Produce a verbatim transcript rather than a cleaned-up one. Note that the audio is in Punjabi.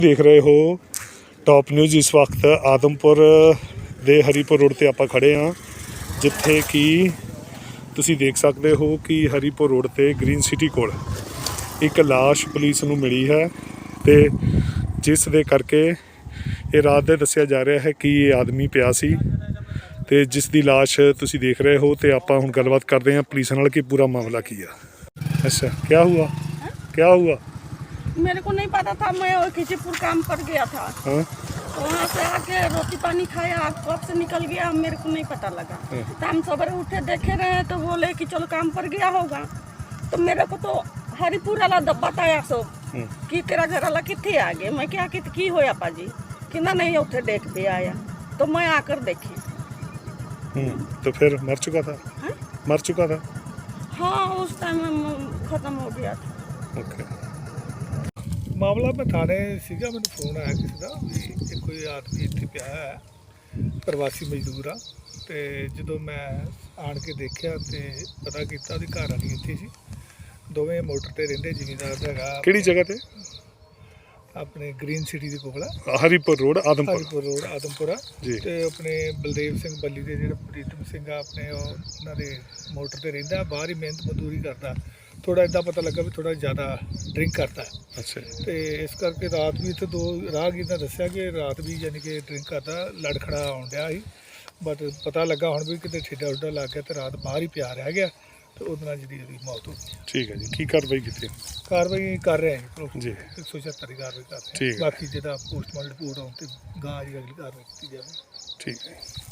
देख रहे हो टॉप न्यूज़। इस वक्त आदमपुर ਦੇ ਹਰੀਪੁਰ ਰੋਡ ਤੇ ਆਪਾਂ ਖੜੇ ਹਾਂ, ਜਿੱਥੇ ਕਿ ਤੁਸੀਂ ਦੇਖ ਸਕਦੇ ਹੋ ਕਿ ਹਰੀਪੁਰ ਰੋਡ ਤੇ ਗ੍ਰੀਨ ਸਿਟੀ ਕੋਲ ਇੱਕ ਲਾਸ਼ ਪੁਲਿਸ ਨੂੰ ਮਿਲੀ ਹੈ ਤੇ ਜਿਸ ਦੇ ਕਰਕੇ ਇਹ ਰਾਤ ਦੇ ਦੱਸਿਆ ਜਾ ਰਿਹਾ ਹੈ ਕਿ ਇਹ ਆਦਮੀ ਪਿਆ ਸੀ ਤੇ ਜਿਸ ਦੀ ਲਾਸ਼ ਤੁਸੀਂ ਦੇਖ ਰਹੇ ਹੋ। ਤੇ ਆਪਾਂ ਹੁਣ ਗੱਲਬਾਤ ਕਰਦੇ ਹਾਂ ਪੁਲਿਸ ਨਾਲ कि पूरा मामला ਕੀ ਆ। अच्छा, क्या हुआ क्या हुआ? मेरे को नहीं पता था, मैं खिचीपुर काम पर गया था। हाँ? तो वहाँ से आके रोटी पानी खाया, कब से निकल गया मेरे को नहीं पता लगा। तो हम सवेरे उठे देखे रहे तो बोले कि चलो काम पर गया होगा। तो मेरे को तो हरिपुर वाला बताया सो कि तेरा घर वाला कितने आ गए। मैं क्या कि की होया पाजी कि ना नहीं उठे देख भी आया। तो मैं आकर देखी तो फिर मर चुका था। हा? मर चुका था। हाँ, उस टाइम खत्म हो गया था। ओके। ਮਾਮਲਾ ਮੈਂ ਥਾਣੇ ਸੀਗਾ, ਮੈਨੂੰ ਫੋਨ ਆਇਆ ਕਿਸੇ ਦਾ ਵੀ ਇਹ ਕੋਈ ਆਦਮੀ ਇੱਥੇ ਪਿਆ ਹੈ, ਪ੍ਰਵਾਸੀ ਮਜ਼ਦੂਰ ਆ। ਤੇ ਜਦੋਂ ਮੈਂ ਆਣ ਕੇ ਦੇਖਿਆ ਤੇ ਪਤਾ ਕੀਤਾ ਉਹਦੀ ਘਰ ਵਾਲੀ ਇੱਥੇ ਸੀ, ਦੋਵੇਂ ਮੋਟਰ ਤੇ ਰਹਿੰਦੇ। ਜ਼ਿਮੀਂਦਾਰ ਦਾ ਹੈਗਾ। ਕਿਹੜੀ ਜਗ੍ਹਾ ਤੇ? ਆਪਣੇ ਗ੍ਰੀਨ ਸਿਟੀ ਦੇ ਕੋਲ ਆ, ਹਰੀਪੁਰ ਰੋਡ ਆਦਮਪੁਰ। ਹਰੀਪੁਰ ਰੋਡ ਆਦਮਪੁਰਾ ਜੀ। ਤੇ ਆਪਣੇ ਬਲਦੇਵ ਸਿੰਘ ਬੱਲੀ ਦੇ ਜਿਹੜਾ ਪ੍ਰੀਤਮ ਸਿੰਘ ਆ ਆਪਣੇ, ਉਹ ਉਹਨਾਂ ਦੇ ਮੋਟਰ ਤੇ ਰਹਿੰਦਾ, ਬਾਹਰ ਹੀ ਮਿਹਨਤ ਮਜ਼ਦੂਰੀ ਕਰਦਾ। ਥੋੜਾ ਇੱਦਾਂ ਪਤਾ ਲੱਗਾ ਵੀ ਥੋੜਾ ਜ਼ਿਆਦਾ ਡਰਿੰਕ ਕਰਦਾ। ਅੱਛਾ। ਤੇ ਇਸ ਕਰਕੇ ਰਾਤ ਵੀ ਇੱਥੇ ਦੋ ਰਾਹਗੀਰ ਨੇ ਦੱਸਿਆ ਕਿ ਰਾਤ ਵੀ ਯਾਨੀ ਕਿ ਡਰਿੰਕ ਕਰਦਾ, ਲੜ ਖੜਾ ਆਉਣ ਡਿਆ ਸੀ। ਬਟ ਪਤਾ ਲੱਗਾ ਹੁਣ ਵੀ ਕਿਤੇ ਠੇਡਾ ਉੱਡਾ ਲੱਗ ਗਿਆ ਤੇ ਰਾਤ ਬਾਹਰ ਹੀ ਪਿਆ ਰਹਿ ਗਿਆ ਤੇ ਉਹਦੇ ਨਾਲ ਜਿਹੜੀ ਉਹਦੀ ਮੌਤ ਹੋ ਗਈ। ਠੀਕ ਹੈ ਜੀ, ਕੀ ਕਾਰਵਾਈ ਕੀਤੀ? ਕਾਰਵਾਈ ਕਰ ਰਹੇ ਹਾਂ ਜੀ, ਜੀ ਇੱਕ ਸੌ ਛਿਹੱਤਰ ਦੀ ਕਾਰਵਾਈ ਕਰ ਰਹੇ ਠੀਕ ਹਾਂ। ਹੈ। ਬਾਕੀ ਜਿਹਦਾ ਪੋਸਟਮਾਰਟਮ ਰਿਪੋਰਟ ਆਉਣ ਤੇ ਗਾਂ ਦੀ ਅਗਲੀ ਕਾਰਵਾਈ ਕੀਤੀ ਜਾਵੇ। ਠੀਕ ਹੈ।